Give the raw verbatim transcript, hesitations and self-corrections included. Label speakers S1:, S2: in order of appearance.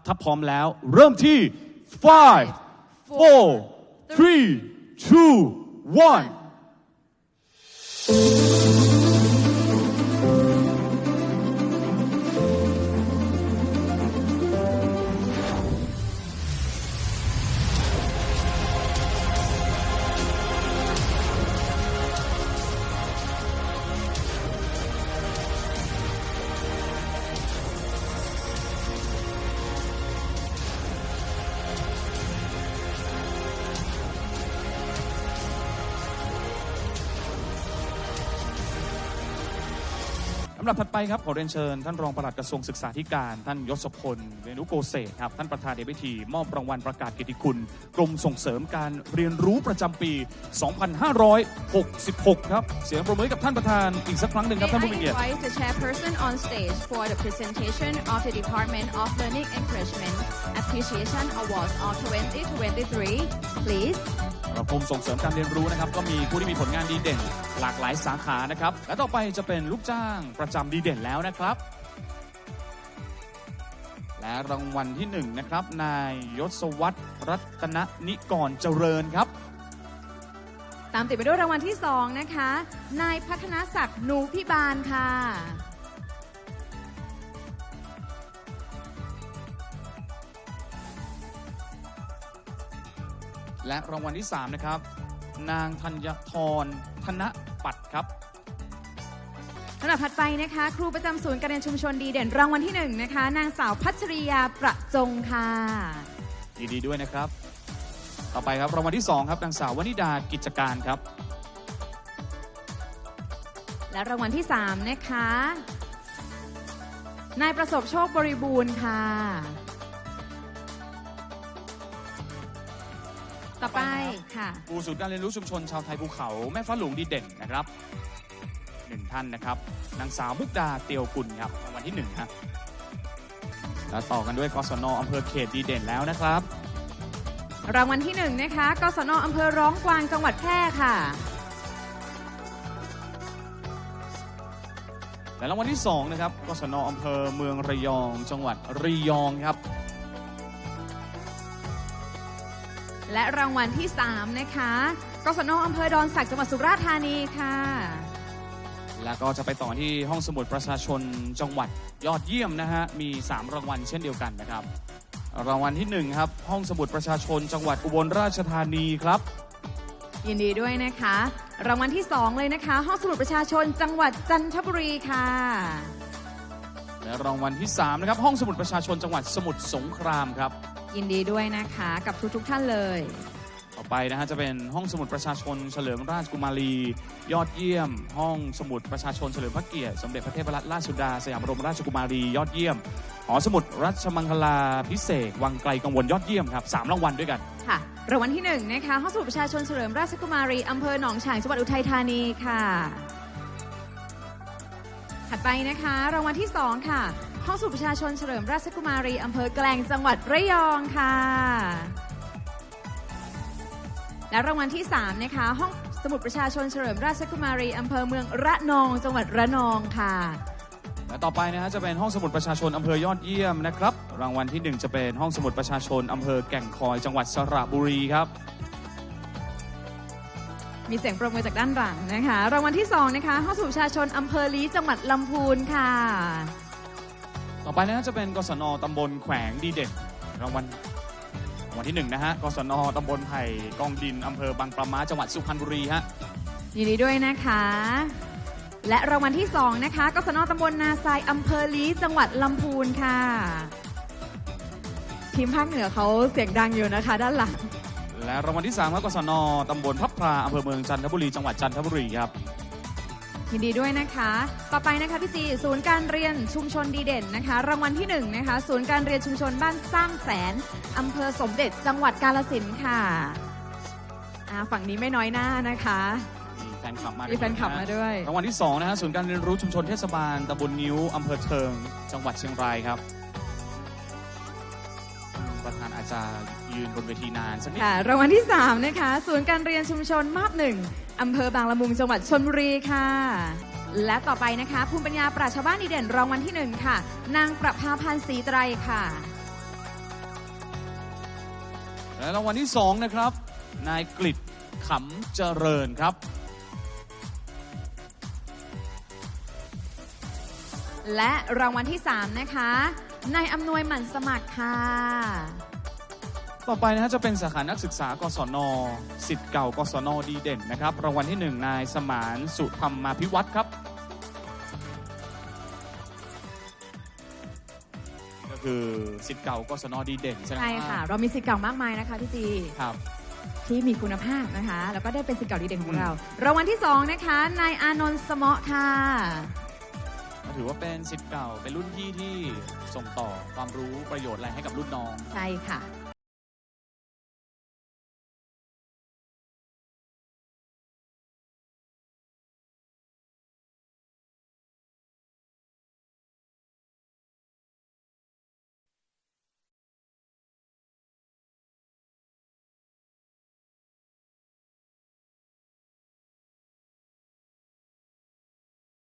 S1: ถ้าพร้อมแล้วเริ่มที่ five four three two oneลำดับถัดไปครับขอเรียนเชิญท่านรองปลัดกระทรวงศึกษาธิการท่านยศพลเวนุโกเศษครับท่านประธานในพิธีมอบรางวัลประกาศเกียรติคุณกรมส่งเสริมการเรียนรู้ประจำปี สองพันห้าร้อยหกสิบหก ครับเสียงปรบมือกับท่านประธานอีกสักครั้งหนึ่งครับท่านผู้มีเกียรติ
S2: May I invite the chairperson on stage for the presentation of the Department of Learning Encouragement Appreciation Awards of twenty twenty-three please
S1: กรมส่งเสริมการเรียนรู้นะครับก็มีผู้ที่มีผลงานดีเด่นหลากหลายสาขานะครับและต่อไปจะเป็นลูกจ้างประจำดีเด่นแล้วนะครับและรางวัลที่หนึ่งนะครับนายยศวัฒน์รัตนนิกรเจริญครับ
S2: ตามติดไปด้วยรางวัลที่สองนะคะนายพัฒนศักดิ์นูพิบาลค่ะ
S1: และรางวัลที่สามนะครับนางธัญธรธนปัตย์ครับ
S2: ลำดับถัดไปนะคะครูประจำศูนย์การเรียนชุมชนดีเด่นรางวัลที่หนึ่งนะคะนางสาวพัชริยาประจงค่ะ
S1: ยินดีด้วยนะครับต่อไปครับรางวัลที่สองครับนางสาววนิดากิจการครับ
S2: และรางวัลที่สามนะคะนายประสบโชคบริบูรณ์ค่ะต่อไปค่ะ
S1: ครูศูนย์การเรียนรู้ชุมชนชาวไทยภูเขาแม่ฟ้าหลวงดีเด่นนะครับหนึ่งท่านนะครับนางสาวมุกดาเตียวกุลครับรางวัลที่หนึ่งครับแล้วต่อกันด้วยกศนอำเภอเขตดีเด่นแล้วนะครับ
S2: รางวัลที่หนึ่งนะคะกศนอำเภอร้องกวางจังหวัดแพร่ค่ะ
S1: และรางวัลที่สองนะครับกศนอำเภอเมืองระยองจังหวัดระยองครับ
S2: และรางวัลที่สามนะคะกศนอำเภอดอนสักจังหวัดสุราษฎร์ธานีค่ะ
S1: แล้วก็จะไปต่อที่ห้องสมุดประชาชนจังหวัดยอดเยี่ยมนะฮะมีสามรางวัลเช่นเดียวกันนะครับรางวัลที่หนึ่งครับห้องสมุดประชาชนจังหวัดอุบลราชธานีครับ
S2: ยินดีด้วยนะคะรางวัลที่สองเลยนะคะห้องสมุดประชาชนจังหวัดจันทบุรีค่ะ
S1: และรางวัลที่สามนะครับห้องสมุดประชาชนจังหวัดสมุทรสงครามครับ
S2: ยินดีด้วยนะคะกับทุกๆท่านเลย
S1: ต่อไปนะฮะจะเป็นห้องสมุดประชาชนเฉลิมราชกุมารียอดเยี่ยมห้องสมุดประชาชนเฉลิมพระเกียรติสมเด็จพระเทพรัตนราชสุดาสยามบรมราชกุมารียอดเยี่ยมหอสมุดรัชมังคลาภิเษกวังไกลกังวลยอดเยี่ยมครับสามรางวัลด้วยกัน
S2: ค่ะรางวัลที่หนึ่งนะคะห้องสมุดประชาชนเฉลิมราชกุมารีอำเภอหนองฉางจังหวัดอุทัยธานีค่ะถัดไปนะคะรางวัลที่สองค่ะห้องสมุดประชาชนเฉลิมราชกุมารีอำเภอแกลงจังหวัดระยองค่ะและรางวัลที่สามนะคะห้องสมุดประชาชนเฉลิมราชกุมารีอำเภอเมืองระนองจังหวัดระนองค่ะ
S1: และต่อไปนะฮะจะเป็นห้องสมุดประชาชนอำเภอยอดเยี่ยมนะครับรางวัลที่หนึ่งจะเป็นห้องสมุดประชาชนอำเภอแก่งคอยจังหวัดสระบุรีครับ
S2: มีเสียงปรบมือจากด้านหลังนะคะรางวัลที่สองนะคะห้องสมุดประชาชนอำเภอลี้จังหวัดลำพูนค่ะ
S1: ต่อไปนะจะเป็นกศนตำบลแขวงดีเด่นรางวัลรางวัลที่หนึ่งนะฮะกศนตำบลไผ่กองดินอำเภอบางปะม้าจังหวัดสุพรรณบุรีฮะ
S2: ยินดีด้วยนะคะและรางวัลที่สองนะคะกศนตำบลนาทรายอำเภอลี้จังหวัดลำพูนค่ะทีมภาคเหนือเขาเสียงดังอยู่นะคะด้านหลัง
S1: และรางวัลที่สามครับกศนตำบลพับพลาอำเภอเมืองจันทบุรีจังหวัดจันทบุรีครับ
S2: ยินดีด้วยนะคะต่อไปนะคะพี่จีศูนย์การเรียนชุมชนดีเด่นนะคะรางวัลที่หนึ่งนะคะศูนย์การเรียนชุมชนบ้านสร้างแสนอำเภอสมเด็จจังหวัดกาฬสินธุ์ค่ะฝั่งนี้ไม่น้อยหน้านะคะ
S1: มีแฟนคลับมา
S2: มีแฟนคลับมาด้วย
S1: รางวัลที่สองนะฮะศูนย์การเรียนรู้ชุมชนเทศบาลตำบลนิ้วอำเภอเทิงจังหวัดเชียงรายครับประธานอาจารย์ยืนบนเวทีนานสักนิด
S2: ค่ะรางวัลที่สามนะคะศูนย์การเรียนชุมชนมาบหนึ่งอำเภอบางละมุงจังหวัดชลบุรีค่ะและต่อไปนะคะภูมิปัญญาปราชญ์ชาวบ้านดีเด่นรางวัลที่หนึ่งค่ะนางประภาพันธ์ศรีไตรค่ะ
S1: และรางวัลที่สองนะครับนายกฤษขำเจริญครับ
S2: และรางวัลที่สามนะคะนายอำนวยหมั่นสมัครค่ะ
S1: ต่อไปนะฮะจะเป็นสาขานักศึกษากศนศิษย์เก่ากศนดีเด่นนะครับรางวัลที่หนึ่งนายสมานสุธรรมาภิวัตรครับก็คือศิษย์เก่ากศนดีเด่นใช่ไหม
S2: ใช่ค่ะเรามีศิษย์เก่ามากมายนะคะพี่จี
S1: ครับ
S2: ที่มีคุณภาพนะคะแล้วก็ได้เป็นศิษย์เก่าดีเด่นของเรารางวัลที่สองนะคะนายอานนท์สมะค่ะ
S1: ถือว่าเป็นศิษย์เก่าเป็นรุ่นพี่ที่ส่งต่อความรู้ประโยชน์อะไรให้กับรุ่นน้อง
S2: ใช่ค่ะ